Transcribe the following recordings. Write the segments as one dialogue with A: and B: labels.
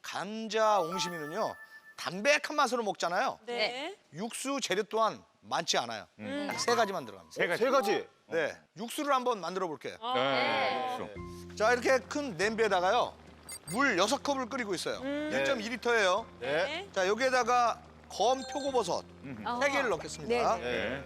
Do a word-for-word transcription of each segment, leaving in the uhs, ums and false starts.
A: 감자 옹심이는요 담백한 맛으로 먹잖아요.
B: 네.
A: 육수 재료 또한 많지 않아요.
B: 음.
A: 딱 세 가지만 들어갑니다.
C: 세 가지.
D: 세 가지.
A: 네, 육수를 한번 만들어 볼게요.
B: 아.
C: 네. 육수.
A: 자, 이렇게 큰 냄비에다가요 물 여섯 컵을 끓이고 있어요.
B: 음.
A: 일 점 이 리터예요.
D: 네.
B: 네.
A: 자, 여기에다가 검 표고버섯
C: 음.
A: 세 개를 넣겠습니다.
B: 네,
C: 네.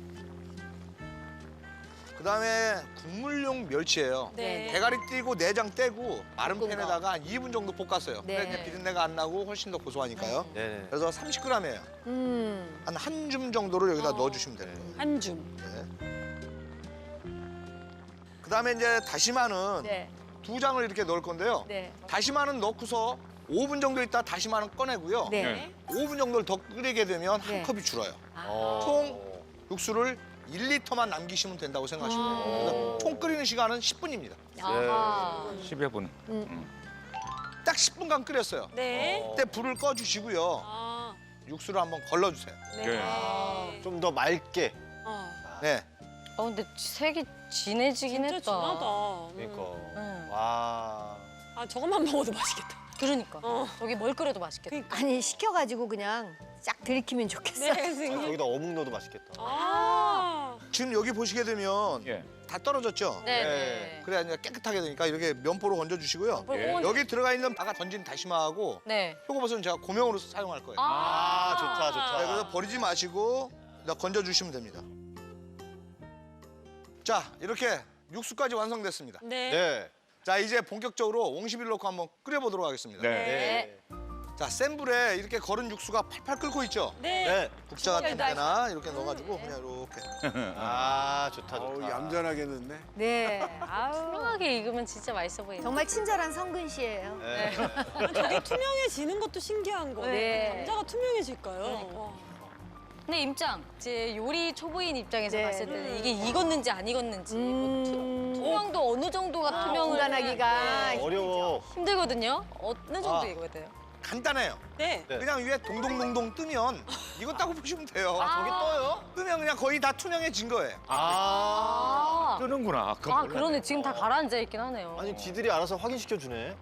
A: 그다음에 국물용 멸치예요.
B: 네.
A: 대가리 띄고 내장 떼고 마른
E: 볶은 거.
A: 팬에다가 한 이 분 정도 볶았어요.
E: 네.
A: 그래 이제 비린내가 안 나고 훨씬 더 고소하니까요.
D: 네.
A: 그래서 삼십 그램이에요.
E: 음.
A: 한 한 줌 정도를 여기다
B: 어.
A: 넣어주시면 돼요.
B: 한 줌.
A: 네. 그다음에 이제 다시마는
E: 네.
A: 두 장을 이렇게 넣을 건데요.
E: 네.
A: 다시마는 넣고서 오 분 정도 있다 다시마는 꺼내고요.
E: 네.
C: 네.
A: 오 분 정도를 더 끓이게 되면 한
E: 네.
A: 컵이 줄어요.
D: 어.
A: 총 육수를 일 리터만 남기시면 된다고 생각하시면 돼요.
E: 아.
A: 그래서 총 끓이는 시간은 십 분입니다.
E: 아하.
C: 십여 분.
A: 딱 십 분간 끓였어요.
B: 네.
A: 그때 불을 꺼주시고요.
B: 아.
A: 육수를 한번 걸러주세요.
B: 네.
C: 네.
D: 좀 더 맑게.
B: 어.
A: 네.
E: 어 근데 색이 진해지긴
B: 진짜
E: 했다.
B: 진하다. 음.
D: 그러니까.
E: 응.
D: 와.
B: 아, 저것만 먹어도 맛있겠다.
E: 그러니까.
B: 어.
E: 저기 뭘 끓여도 맛있겠다.
B: 그러니까.
F: 아니 시켜가지고 그냥 쫙 들이키면 좋겠어.
B: 네,
D: 아,
B: 선생님.
D: 여기다 어묵 넣어도 맛있겠다.
B: 아.
A: 지금 여기 보시게 되면
C: 예.
A: 다 떨어졌죠?
E: 네네.
A: 그래야 이제 깨끗하게 되니까 이렇게 면포로 건져주시고요.
C: 예.
A: 여기 들어가 있는 아까 던진 다시마하고
E: 네.
A: 표고버섯은 제가 고명으로 사용할 거예요.
D: 아, 좋다, 좋다.
A: 네, 그래서 버리지 마시고 그냥 건져주시면 됩니다. 자, 이렇게 육수까지 완성됐습니다.
B: 네.
D: 네.
A: 자, 이제 본격적으로 옹심이를 넣고 한번 끓여보도록 하겠습니다.
C: 네.
D: 네.
A: 자, 센 불에 이렇게 걸은 육수가 팔팔 끓고 있죠?
B: 네.
D: 네.
A: 국자 같은 데나 이렇게 넣어가지고 그냥 이렇게.
D: 아, 좋다,
G: 어우,
D: 좋다.
G: 얌전하게 넣네.
F: 네. 아우.
E: 투명하게 익으면 진짜 맛있어 보이네.
F: 정말 친절한 성근 씨예요.
D: 네.
B: 아, 저게 투명해지는 것도 신기한 거.
F: 네.
B: 감자가 투명해질까요? 와.
E: 근데 임장, 이제 요리 초보인 입장에서
F: 네.
E: 봤을 때는 이게 익었는지 안 익었는지 뭐 투,
F: 음.
E: 투명도 어느 정도가
F: 아,
E: 투명을
F: 분간하기가
D: 어려워.
E: 힘들거든요. 어느 정도
A: 아.
E: 익어야 돼요?
A: 간단해요.
B: 네.
D: 네.
A: 그냥 위에 동동동동 뜨면 익었다고 보시면 돼요.
E: 아.
D: 저기 떠요?
A: 뜨면 그냥 거의 다 투명해진 거예요.
D: 아.
E: 아,
C: 뜨는구나. 그건
E: 아
C: 몰랐네.
E: 그러네. 지금 다 가라앉아 있긴 하네요.
D: 아니, 지들이 알아서 확인시켜 주네.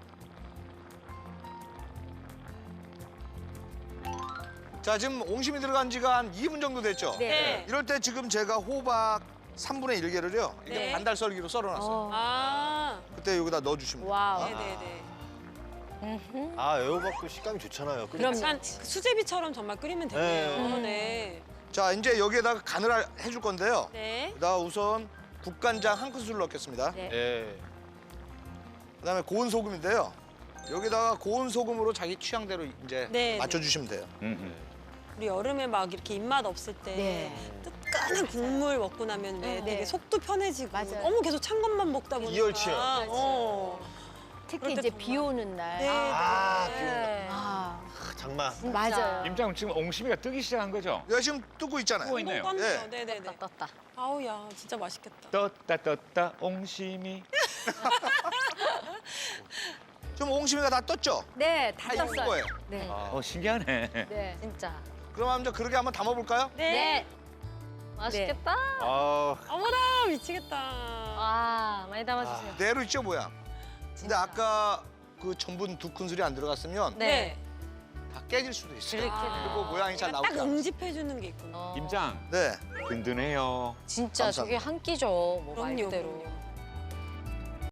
A: 자, 지금 옹심이 들어간 지가 한 이 분 정도 됐죠?
B: 네.
A: 이럴 때 지금 제가 호박 삼분의 일 개를요. 이렇게
B: 네.
A: 반달썰기로 썰어놨어요.
F: 어.
B: 아.
A: 그때 여기다 넣어주시면 돼요.
F: 와우.
B: 네네네.
D: 아, 애호박도 식감이 좋잖아요.
F: 그럼요.
B: 약간 수제비처럼 정말 끓이면 되네요.
F: 네.
B: 네.
A: 자, 이제 여기에다가 간을 할- 해줄 건데요.
B: 네.
A: 여기다 우선 국간장 한 큰술 넣겠습니다.
F: 네.
D: 네.
A: 그다음에 고운 소금인데요. 여기다가 고운 소금으로 자기 취향대로 이제
B: 네,
A: 맞춰주시면 돼요.
C: 음, 음.
B: 우리 여름에 막 이렇게 입맛 없을 때
F: 네.
B: 뜨끈한 국물 먹고 나면 왜
F: 네.
B: 되게 속도 편해지고
F: 맞아요.
B: 너무 계속 찬 것만 먹다 보니까
D: 이열치열.
B: 어.
F: 특히
B: 그럴 때
F: 이제
B: 정말-
F: 비 오는 날.
B: 네.
D: 아,
B: 네.
D: 비 온다.
E: 네.
F: 아,
D: 아, 장마.
F: 맞아요.
C: 임장 지금 옹심이가 뜨기 시작한 거죠?
A: 내가 지금 뜨고 있잖아요.
C: 뜨고 있네요.
B: 떴네요.
A: 네.
B: 네네네.
E: 떴다 떴다.
B: 아우 야 진짜 맛있겠다.
C: 떴다 떴다 옹심이.
A: 지금 옹심이가 다 떴죠?
F: 네, 다
A: 다 익은
F: 떴어요.
A: 거예요.
F: 네.
C: 어 신기하네.
F: 네.
E: 진짜.
A: 그럼 한번 그렇게 한번 담아볼까요?
B: 네.
E: 맛있겠다.
D: 아,
B: 어머나 미치겠다.
E: 아 많이 담아주세요.
A: 그대로 있죠, 모양. 근데
E: 진짜.
A: 아까 그 전분 두 큰술이 안 들어갔으면
E: 네.
A: 다 깨질 수도 있어요.
E: 그렇게
A: 그리고 모양이 잘
B: 딱
A: 나오지 않아요.
B: 응집해주는 게 있구나.
E: 어,
C: 임장
A: 네.
C: 든든해요.
E: 진짜
A: 감사합니다.
E: 저게 한 끼죠. 뭐
B: 그럼요,
E: 말대로.
B: 그럼요.